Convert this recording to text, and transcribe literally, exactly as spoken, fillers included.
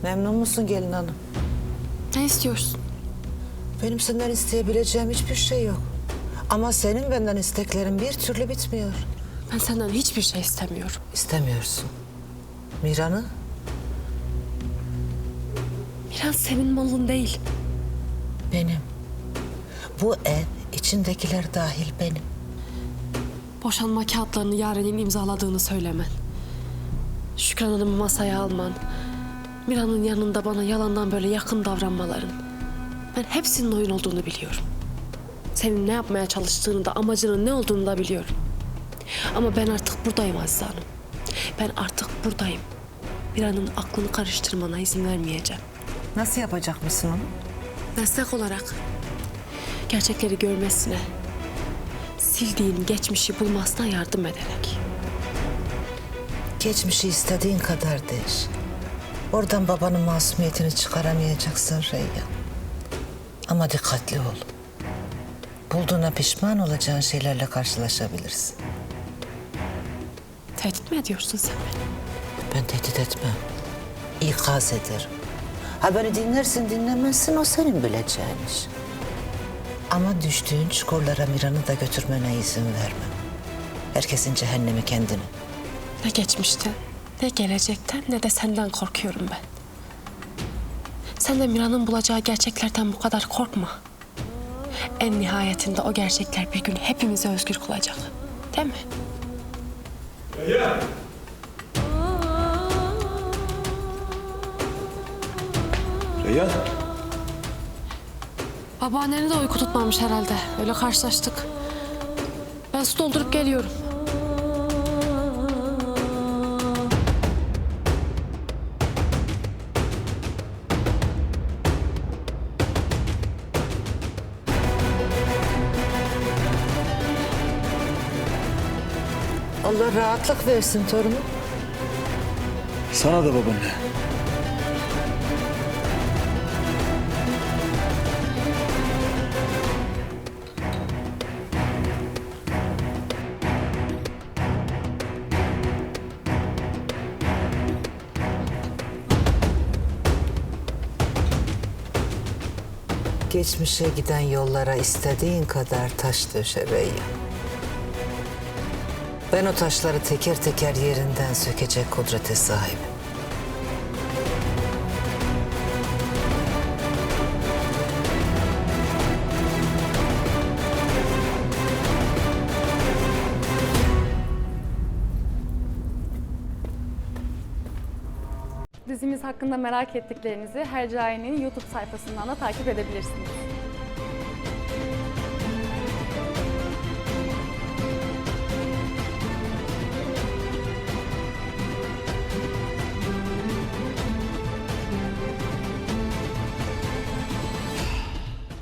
Memnun musun gelin hanım? Ne istiyorsun? Benim senden isteyebileceğim hiçbir şey yok. Ama senin benden isteklerin bir türlü bitmiyor. Ben senden hiçbir şey istemiyorum. İstemiyorsun. Miran'ı? Miran senin malın değil. Benim. Bu ev içindekiler dahil benim. Boşanma kağıtlarını Yaren'in imzaladığını söylemen. Şükran Hanım'ı masaya alman. Miran'ın yanında bana yalandan böyle yakın davranmaların. Ben hepsinin oyun olduğunu biliyorum. Senin ne yapmaya çalıştığını da amacının ne olduğunu da biliyorum. Ama ben artık buradayım Azize Hanım. Ben artık buradayım. Miran'ın aklını karıştırmana izin vermeyeceğim. Nasıl yapacak mısın onu? Destek olarak gerçekleri görmesine, sildiğin geçmişi bulmasına yardım ederek. Geçmişi istediğin kadar değiş. Oradan babanın masumiyetini çıkaramayacaksın Reyyan. Ama dikkatli ol. Bulduğuna pişman olacağın şeylerle karşılaşabilirsin. Tehdit mi ediyorsun sen beni? Ben tehdit etmem. İkaz ederim. Ha beni dinlersin dinlemezsin o senin bileceğin iş. Ama düştüğün çukurlara Miran'ı da götürmene izin vermem. Herkesin cehennemi kendine. Ne geçmişten, ne gelecekten, ne de senden korkuyorum ben. Sen de Miran'ın bulacağı gerçeklerden bu kadar korkma. En nihayetinde o gerçekler bir gün hepimizi özgür kılacak. Değil mi? Reyyan! Reyyan! Babaanneni de uyku tutmamış herhalde. Öyle karşılaştık. Ben su doldurup geliyorum. Allah rahatlık versin torunum. Sana da babaanne. Geçmişe giden yollara istediğin kadar taş döşe Reyyan. Ben o taşları teker teker yerinden sökecek kudrete sahibim. Dizimiz hakkında merak ettiklerinizi Hercai'nin YouTube sayfasından da takip edebilirsiniz.